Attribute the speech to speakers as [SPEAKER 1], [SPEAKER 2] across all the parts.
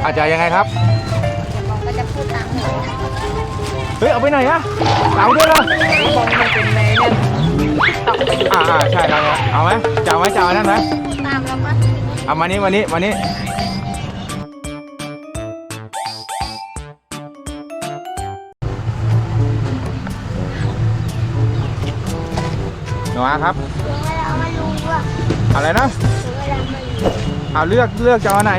[SPEAKER 1] อาจจะยังไงครับ
[SPEAKER 2] เดี๋ยวบองก็จะพูดตามหนู
[SPEAKER 1] เฮ้ยเอาไปไหนอะเอาด้วยเหรอบ
[SPEAKER 2] องมันเป็นในเนี่ยตอก
[SPEAKER 1] ใช่ครับเอาไหมจะเอาไหมจะเอานั่นไหม
[SPEAKER 2] พูดตามแล้วก็
[SPEAKER 1] เอามานี้หนูครับ
[SPEAKER 2] เดี๋ยวเวลามารู้ว่า
[SPEAKER 1] อะไรนะ
[SPEAKER 2] เดี๋ยวเวลามารู้
[SPEAKER 1] เอาเลือกจะเอาไหน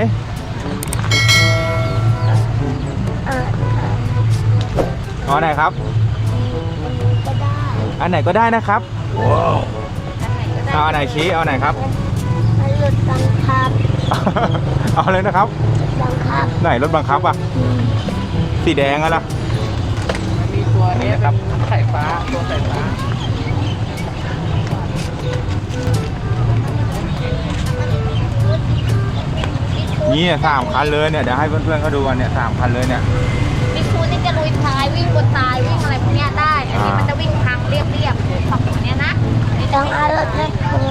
[SPEAKER 2] เออ
[SPEAKER 1] เอาไหนครับ
[SPEAKER 2] ก็ได้
[SPEAKER 1] อันไหนก็ได้นะครับเอาอันไหนชี้เอาไหนครับ
[SPEAKER 2] มันหลุดบังคับ
[SPEAKER 1] เอาเลยนะครับ
[SPEAKER 2] บังคับ
[SPEAKER 1] ไหนรถบังคับอ่ะสีแดงอะล่ะ
[SPEAKER 3] มันมีตัวนี้ครับสายฟ้าตัวสายฟ้า
[SPEAKER 1] นี่3 คันเลยเนี่ยเดี๋ยวให้เพื่อนๆเขาดูกันเนี่ย3 คันเลยเนี่ย
[SPEAKER 2] มิคูนี่จะลุยท้ายวิ่งบนทรายวิ่งอะไรพวกเนี้ยได้ อันนี้มันจะวิ่งทางเรียบๆฝั่งตัวเนี้ยนะต้องเอารถแมคโคร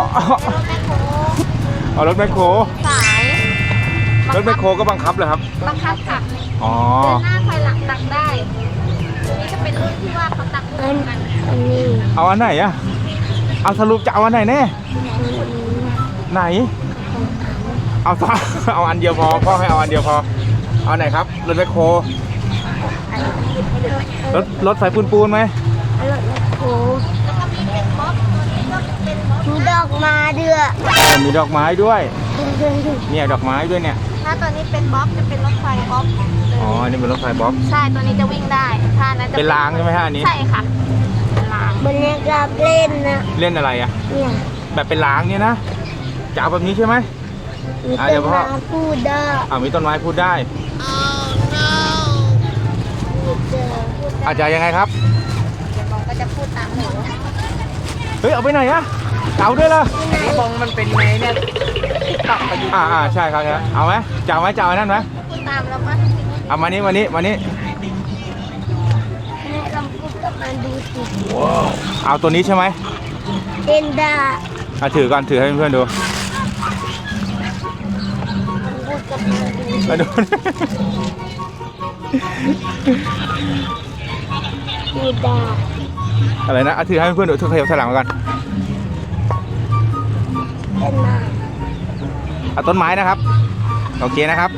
[SPEAKER 1] เอารถแมคโคร
[SPEAKER 2] สาย
[SPEAKER 1] รถแมคโครก็บังคับเลยครับ
[SPEAKER 2] บังคับค่ะ
[SPEAKER 1] อ๋อ
[SPEAKER 2] เดินหน้าถอยหลังตักได้ตัวนี้จะเป็นรุ่นที่ว่าเขาตักเหมือนกันอันนี้
[SPEAKER 1] เอาอันไหนอะเอาสรุปจะเอาอันไหนแน่ไหนเอาสอง เอาอันเดียวพอพ่อให้เอาอันเดียวพอเอาไหนครับรถแมคโครรถไฟปูนไหม
[SPEAKER 2] รถแมคโครแล้วก็มีเป็นบ๊อบตัวนี้ก็เป็นบ๊อบมีดอกมาเดือ
[SPEAKER 1] มีดอกไม้ด้วยเนี่ยดอกไม้ด้วยเนี่ย
[SPEAKER 2] ถ้าตัวนี้เป็นบ๊อบจะเป็นรถไฟบ๊อบ
[SPEAKER 1] อ๋ออันนี่เป็นรถไฟบ๊อบ
[SPEAKER 2] ใช่ตัวนี้จะวิ่งได้ถ้านั้นจะ
[SPEAKER 1] เป็นรางใช่ไหมฮะอันนี้
[SPEAKER 2] ใช่ค่ะเป็นรางบนนี้กับเล่นนะ
[SPEAKER 1] เล่นอะไรอะ
[SPEAKER 2] เนี่ย
[SPEAKER 1] แบบเป็นรางเนี่ยนะจะเอาแบบนี้ใช่ไหม
[SPEAKER 2] มี
[SPEAKER 1] เดี๋
[SPEAKER 2] เป็
[SPEAKER 1] ยวน พ่อ
[SPEAKER 2] รางพูดได้
[SPEAKER 1] มีต้นไม้พูดได้ อาจจะยังไงครับ
[SPEAKER 2] เดี๋ยวบองก็จะพูดตามหนู
[SPEAKER 1] เฮ้ยเอาไปไหนอะเอาด้วยเหรอ
[SPEAKER 3] บองมันเป็นในเนี่ยตอกประยุทธ์
[SPEAKER 1] ใช่ครับเอาไหมจะเอาไหมจะเอานั่นไหม
[SPEAKER 2] พูดตามแล้วก็
[SPEAKER 1] เอามานี้
[SPEAKER 2] ให้ลองพูดกับมันดูสิ
[SPEAKER 1] เอาตัวนี้ใช่ไหม
[SPEAKER 2] เล่นได้
[SPEAKER 1] ถือก่อนถือให้เพื่อนๆดู
[SPEAKER 2] พูดกับมันดู
[SPEAKER 1] มาดู
[SPEAKER 2] พูดได้
[SPEAKER 1] อะไรนะถือให้เพื่อนๆดูถือขยับถอยหลังมาก่อน
[SPEAKER 2] เล่นมา
[SPEAKER 1] เอาต้นไม้นะครับโอเคนะครับ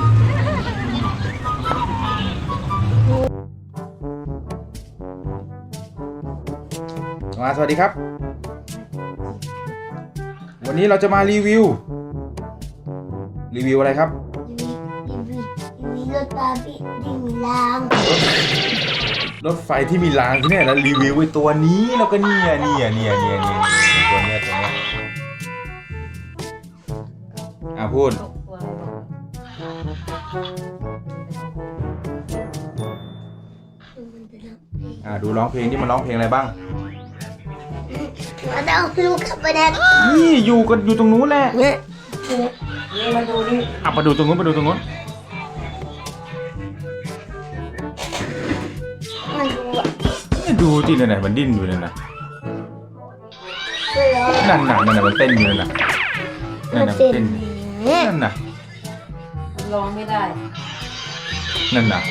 [SPEAKER 1] สวัสดีครับวันนี้เราจะมารีวิวอะไรครับ
[SPEAKER 2] มีรถตาบิดที่มีราง
[SPEAKER 1] รถไฟที่มีรางที่เนี่ยแล้วรีวิวไอ้ตัวนี้แล้วก็เนี่ยตัวเนี้ยพูดดูร้องเพลงที่มันร้องเพลงอะไรบ้าง
[SPEAKER 2] มาเอาลูกขับไปแดง
[SPEAKER 1] นี่อยู่ตรงนู้นแหละ
[SPEAKER 2] เนี่ย
[SPEAKER 3] มาดูนี่
[SPEAKER 1] ไปดูตรงนู้น
[SPEAKER 2] มันดูอ่ะ
[SPEAKER 1] ดูสิเนี่ยมันดิ้นอยู่เนี่ยนะ
[SPEAKER 2] ไม่ร้อง
[SPEAKER 1] นั่นมันเต้นอยู่นั่นมันเต้นนั่นน่ะ
[SPEAKER 3] ร้องไม่ได้
[SPEAKER 1] นั่นน่ะ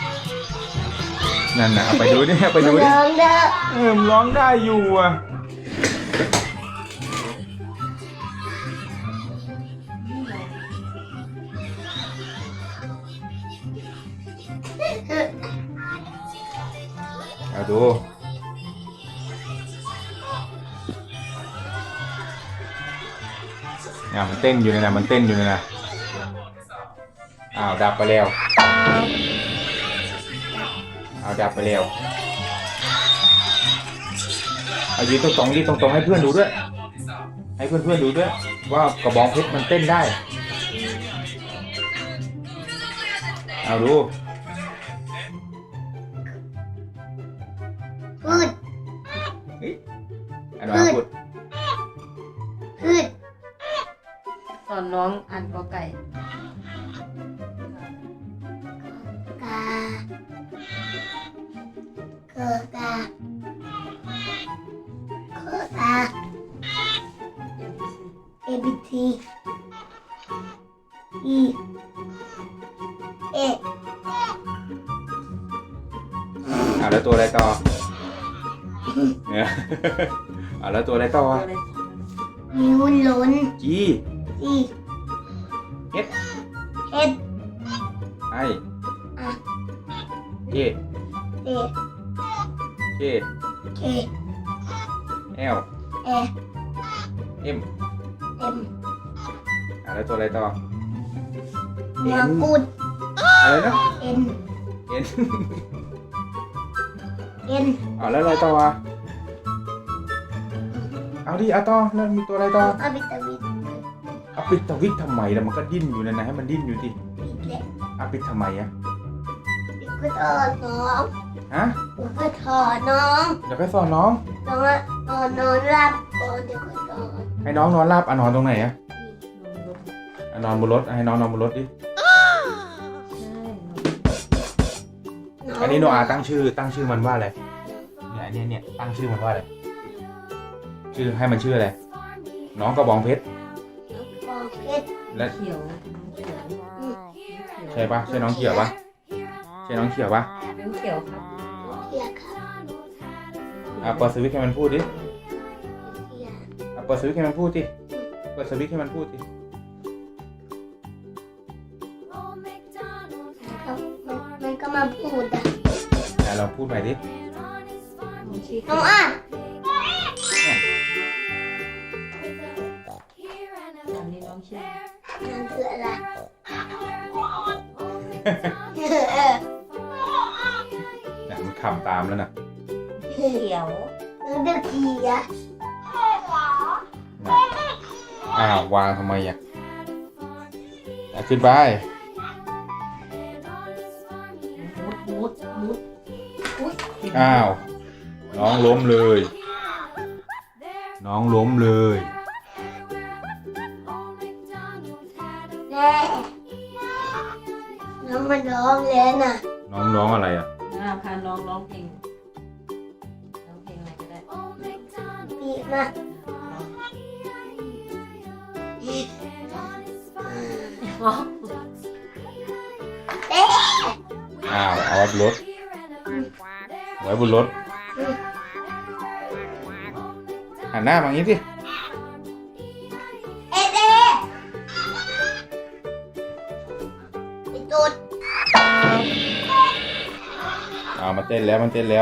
[SPEAKER 1] เอาไปดูดิไปดูดิ
[SPEAKER 2] ร้องได้
[SPEAKER 1] มันร้องได้อยู่อ่ะเอาดูมันเต้นอยู่เลยนะดับไปแล้วดับไปแล้วเอายืนตรงให้เพื่อนดูด้วยว่ากระบองเพชรมันเต้นได้เอาดู
[SPEAKER 2] พูด
[SPEAKER 1] พูด
[SPEAKER 3] สอนน้องอ่านกอไก่
[SPEAKER 2] กาเกิดกาA B T E
[SPEAKER 1] แล้วตัวอะไรต่อเนี่ยแล้วตัวอะไรต่อ
[SPEAKER 2] นิ้วล้น
[SPEAKER 1] จี
[SPEAKER 2] จี
[SPEAKER 1] เฮ็ด
[SPEAKER 2] เอ็ด
[SPEAKER 1] ไอ
[SPEAKER 2] อะ
[SPEAKER 1] เจ
[SPEAKER 2] เอ
[SPEAKER 1] เค
[SPEAKER 2] เค
[SPEAKER 1] แอล
[SPEAKER 2] เอ
[SPEAKER 1] เอ็ม
[SPEAKER 2] เอ็ม
[SPEAKER 1] แล้วตัวอะไรต่อ
[SPEAKER 2] หัวกุด
[SPEAKER 1] อะไรนะ
[SPEAKER 2] เอ็น
[SPEAKER 1] เอ็น
[SPEAKER 2] เอ็น
[SPEAKER 1] แล้วอะไรต่อเอาดิต่อแล้วมีตัวอะไรต่อ
[SPEAKER 2] อาบิตาบิด
[SPEAKER 1] ปิดตะวิกทำไมแล้วมันก็ดิ้นอยู่นั่นนะให้มันดิ้นอยู่ดิ
[SPEAKER 2] บิดแหละ
[SPEAKER 1] ปิดทำไมอะ
[SPEAKER 2] เดี๋ยวก็ถอดน้อง
[SPEAKER 1] ฮะ
[SPEAKER 2] เดี๋ยวก็ถอดน้อง
[SPEAKER 1] เดี๋ยวไปสอนน้อง
[SPEAKER 2] น้องอะนอนหลับก่อนเดี๋ยวก็ถอด
[SPEAKER 1] ให้น้องนอนราบนอนตรงไหนอะนอนบนรถให้น้องนอนบนรถดิอันนี้โนอาตั้งชื่อมันว่าอะไรเนี่ยตั้งชื่อมันว่าอะไรชื่อให้มันชื่ออะไรน้องกระบองเพชร
[SPEAKER 2] น้องเพชร
[SPEAKER 1] และ
[SPEAKER 3] เขียว
[SPEAKER 1] ใช่ปะใช่น้องเขียวปะใช่น้องเขียวปะ
[SPEAKER 3] นิ้วเขียวครับ
[SPEAKER 2] เทียครับ
[SPEAKER 1] เปิดสวิตช์ให้มันพูดดิ
[SPEAKER 2] เทีย
[SPEAKER 1] เปิดสวิตช์ให้มันพูดดิเปิดสวิตช์ให้มันพูดดิ
[SPEAKER 2] มันก็มาพูดอ่ะ
[SPEAKER 1] เราพูดใหม่ดิ
[SPEAKER 2] น้องอ่ะ
[SPEAKER 3] อันนี้น้องชื่อ
[SPEAKER 2] นั่นคืออะไร
[SPEAKER 1] มันขำตามแล้วนะ
[SPEAKER 3] เขียว
[SPEAKER 2] น้องเด็กเทียว
[SPEAKER 1] างทำไมอ่ะขึ้นไป
[SPEAKER 3] มุด
[SPEAKER 1] น้องล้มเลยน้องล้มเลย
[SPEAKER 2] แม่น้องมันร้องแล้วน่ะ
[SPEAKER 1] น้องอะไรอ่ะ
[SPEAKER 3] พาน้องร้องเพลงอะไรก็ได้
[SPEAKER 2] ปีกมาเอ๊ะ
[SPEAKER 1] เอาไว้บนรถหันหน้ามาอย่างนี้สิ
[SPEAKER 2] เอ๊ะเอ๊ะไอ้ตูด
[SPEAKER 1] มันเต้นแล้วมันเต้นแล้ว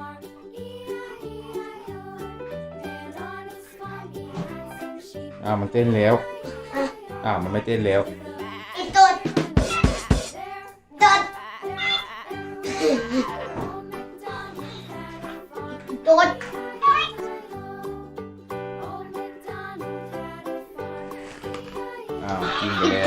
[SPEAKER 1] มันเต้นแล้วมันไม่เต้นแล้ว
[SPEAKER 2] ไอ้ตูดตูดตูด
[SPEAKER 1] กินไปแล้ว
[SPEAKER 2] ที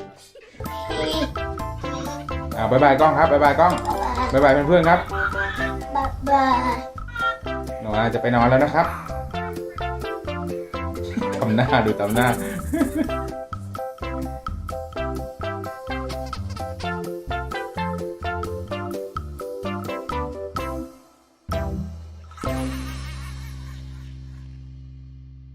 [SPEAKER 1] บ๊ายบายกล้องครับบ๊ายบายกล้องบ๊ายบายเพื่อนๆครับ
[SPEAKER 2] บ๊ายบาย
[SPEAKER 1] หนูจะไปนอนแล้วนะครับทำหน้าดูทำหน้า